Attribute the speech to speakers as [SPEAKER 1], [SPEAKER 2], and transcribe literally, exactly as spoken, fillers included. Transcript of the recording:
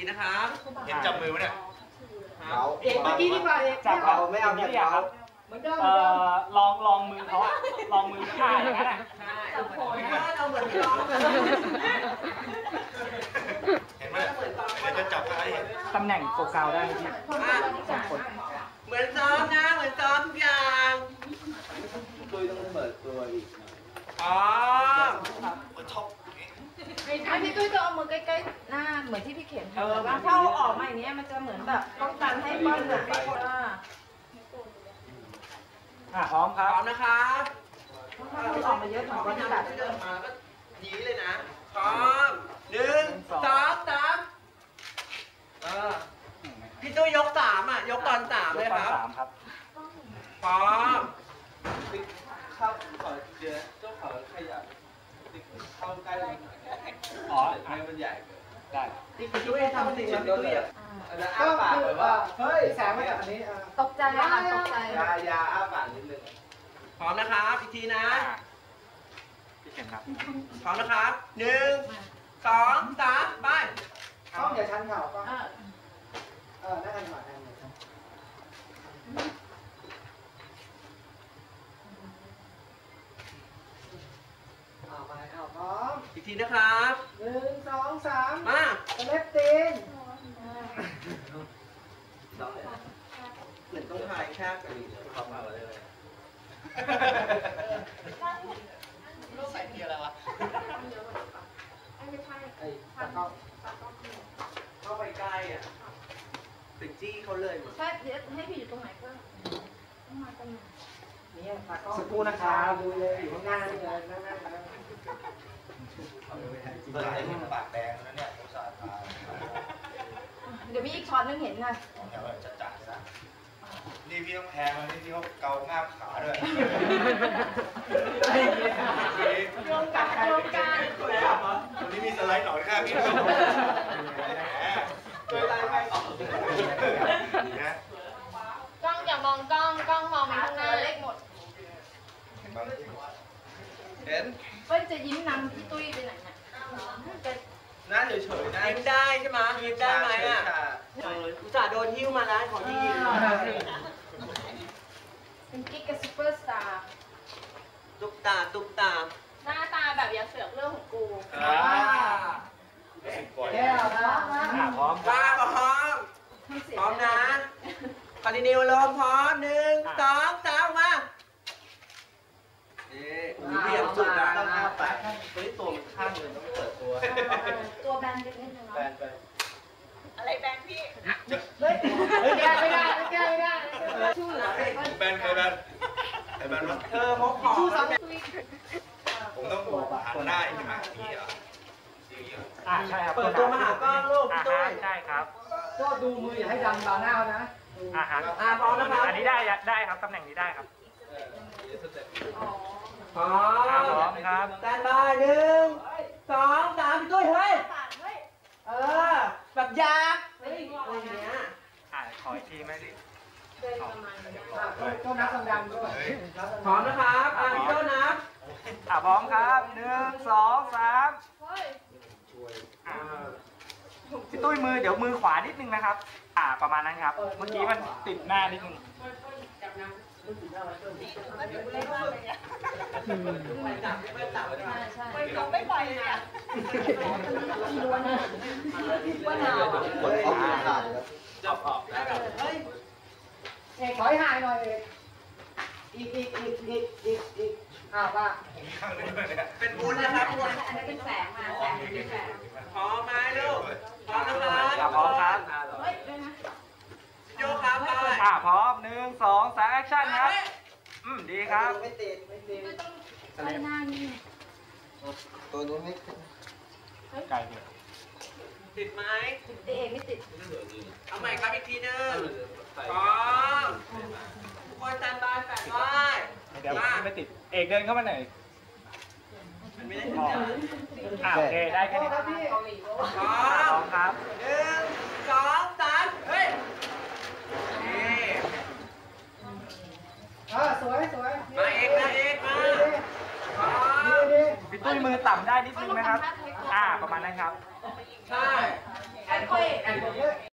[SPEAKER 1] นะครับเห็นจับมือไหมเนี่ย
[SPEAKER 2] เราเอกเมื่อกี้ที่มาเอกจับเราไม่เอาแบบเขาเหมือนเดิม
[SPEAKER 3] ลองลองมือเขาลองมือข้าอย่างนั้น
[SPEAKER 2] จับโผล่เราเหมือนร้อง
[SPEAKER 1] เห็นไหมเดี๋ยวจะจับอะไร
[SPEAKER 3] ตำแหน่งโฟกัสได้ที่สองคน
[SPEAKER 2] เหมือนซ้อมนะเหมือนซ้อมทุกอย่างตุ้ยต้องเปิดตัวอีกอ๋อ
[SPEAKER 1] เปิดท็อป
[SPEAKER 4] อันนี้ตุ้ยจะเอามือใกล้ๆหน้าเหมือนที่พี่เข็มทำว่าถ้าออกมาอย่างนี้มันจะเหมือนแบบป้องกันให้ก้อนเนื้อไม่หมด
[SPEAKER 3] อ่ะพร้อมครับ
[SPEAKER 2] พร้อมนะครับ
[SPEAKER 4] ถ้าออกมาเยอะของก้อนตัด
[SPEAKER 2] เดินมาแล้วก็หนีเลยนะพร้อมหนึ่งสองสามเออพี่ตุ้ยยกสามอ่ะยกตอนสามเลยครับ
[SPEAKER 3] สามครับ
[SPEAKER 2] พร้อม
[SPEAKER 5] เข้าขอเจอเจ้าขอขยับเข้าใกล้
[SPEAKER 3] อ๋อ
[SPEAKER 5] ให้มันใหญ่
[SPEAKER 3] ได้
[SPEAKER 2] พี่ตุ้ยทำสิ่งนั้นพี่ตุ้ยอ่ะ
[SPEAKER 5] อ้าปากแบบว่า
[SPEAKER 2] เฮ้ยแสงมาจากอันนี้
[SPEAKER 4] ตกใจอะตกใจ
[SPEAKER 5] ยายาอ้าปากนิดนึง
[SPEAKER 2] พร้อมนะครับอีกทีนะ
[SPEAKER 3] พี่เข็มครับ
[SPEAKER 2] พร้อมนะครับหนึ่งสองสามไป
[SPEAKER 5] ต้องอย่าชันเข่าก็
[SPEAKER 2] เออนั่งกันก่อนนั่งเลยเอาไปเอาพร้อมอีกทีนะครับหนึ่งสองสามมาเล็บตีนเหมือนต้องถ่ายแค่กัน
[SPEAKER 5] เข้ามาเลย
[SPEAKER 1] ลูกใส่ทีอะไรวะ
[SPEAKER 2] ไม่ใช่ไอ้ตะก้องเข้าไปใกล้อ่ะติดจี้เขาเลย
[SPEAKER 4] ใช่เดี๋ยวให้พี่อยู่ตรงไหนเพิ่มต้องมาตรงไหน
[SPEAKER 2] นี่ตะก้องสักครู่นะครับดูเลยอยู่ข้างหน้านี่เลยนั่งนั่งนั่ง
[SPEAKER 5] เปิดให้ปากแดงแล้วเนี่ยอุตส่าห์ทา
[SPEAKER 4] เดี๋ยวมีอีกช็อตนึงเห็นนะ
[SPEAKER 5] ของแถวจัดจัดนะนี่พี่ต้องแพงเลยนี่พี่เขาเกาง่ามขาด้วย
[SPEAKER 4] โยงกันโยงกัน
[SPEAKER 5] วันนี้มีสไลด์หน่อยค่ะพี่ช่วยไล่ไปต่อนะ
[SPEAKER 4] กล้องอย่ามองกล้องกล้องมองไปข้างหน้าเล็กหมด
[SPEAKER 5] เห็น
[SPEAKER 4] เปิ้ลจะยิ้มนำพี่ตุ้ยไปไหนเนี่ย
[SPEAKER 5] หน้าเฉยๆนะ
[SPEAKER 2] ยิ้มได้ใช่ไหมยิ้มได้ไหมอ่ะอุตส่าห์โดนหิ้วมาแล้วขอที่ยิ้ม
[SPEAKER 4] เป็นกิ๊กกับซูเปอร์สตาร์
[SPEAKER 2] ตุ๊กตาตุ๊กตา
[SPEAKER 4] หน้าตาแบบอย่าเสือกเรื่องของกู
[SPEAKER 2] อ่าแก้วนะ
[SPEAKER 3] พร้อม
[SPEAKER 2] ว่าพร้อมพร้อมนะคอนดินิวลมพร้อมหนึ่งสองสามมาเรียบสุดนะ
[SPEAKER 5] ต้องอ้าปากเฮ้ยตัวมันข้างเลยต้องเปิดตัว
[SPEAKER 4] ตัวแบนไปนิดนึงเนาะ
[SPEAKER 5] แบนไป
[SPEAKER 4] อะไรแบนพี่
[SPEAKER 2] เฮ้ยแก้ไม่ได้แก้ไม่ได้
[SPEAKER 4] ชื่อ
[SPEAKER 5] แบนใครแบนใครแบนวะ
[SPEAKER 2] เธอเขาขอชื่อซ้ำ
[SPEAKER 5] ผมต้องหันหน้าอีกมาที่อ่ะ
[SPEAKER 3] อ่าใช่ครับ
[SPEAKER 2] เปิดตัวมาหากล้องลูกพี่ตุ้ย
[SPEAKER 3] ใช่ครับ
[SPEAKER 2] ก็ดูมืออย่าให้ดังบาหน้านะ
[SPEAKER 3] อ่าฮะ
[SPEAKER 2] อ่าพร้อมนะครับ
[SPEAKER 3] อันนี้ได้ได้ครับตำแหน่งนี้ได้ครับ
[SPEAKER 2] พร้อม
[SPEAKER 3] พร้อมครับ
[SPEAKER 2] แตนบายหนึ่งสองสามด้วยเฮ้ยเออแบบยากเฮ้ยอะไรเงี้ย
[SPEAKER 3] อ่าขออีกทีไหมดิ
[SPEAKER 2] ก็นับดังๆด้วยพร้อมนะครับอ่าพี่โจ้นับ
[SPEAKER 3] อ่าพร้อมครับหนึ่งสองสามพี่ตุ้ยมือเดี๋ยวมือขวานิดนึงนะครับอ่าประมาณนั้นครับเมื่อกี้มันติดหน้านิดนึง
[SPEAKER 4] ไปเขาไม่ปล่อยเลยอ่ะล้วนนะว่าหนาว
[SPEAKER 5] กดออกขาด
[SPEAKER 2] จับออกเฮ้ยเอกถอยห่างหน่อยเอกอีกอีกอีกอีกอีกอีกอ้าวว่าเป็นบุญนะครับบุญ
[SPEAKER 4] อันนี้เป็นแสงมาแสงเป็นแสง
[SPEAKER 2] พร้อมไหมลูกพร้อมนะครับ
[SPEAKER 3] พร้อมครับ
[SPEAKER 4] เฮ้ยด้วยนะ
[SPEAKER 2] โยครับไป
[SPEAKER 3] อ่าพร้อมหนึ่งสองสามแอคชั่นครับอืมดีครับ
[SPEAKER 2] ไม่ติดไม่ติด
[SPEAKER 4] ไม่ต้องไปหน้านี่
[SPEAKER 5] ตัวนู้นไม่
[SPEAKER 3] ไกลเลย
[SPEAKER 2] ติดไหม
[SPEAKER 4] ติดเองไม่ติด
[SPEAKER 2] เอาใหม่ครับอีกทีนึงพร้อมทุกคนสแตนบายแปดไว้
[SPEAKER 3] เดี๋ยวไม่ติดเอกเดินเข้ามาหน่อย
[SPEAKER 2] ไม่ได้
[SPEAKER 3] อ่าโอเคได้แค่นี้
[SPEAKER 2] พร้อ
[SPEAKER 3] มครับ
[SPEAKER 2] หนึ่งสองสามเฮ้ยนี่อ่าสวยสวยมาเอกมาเอกมา
[SPEAKER 3] พี่ตุ้ยมือต่ำได้นิดนึงนะครับอ่าประมาณนั้นครับ
[SPEAKER 5] ใช่
[SPEAKER 4] ค่อยๆ
[SPEAKER 2] แอนโดเยอร์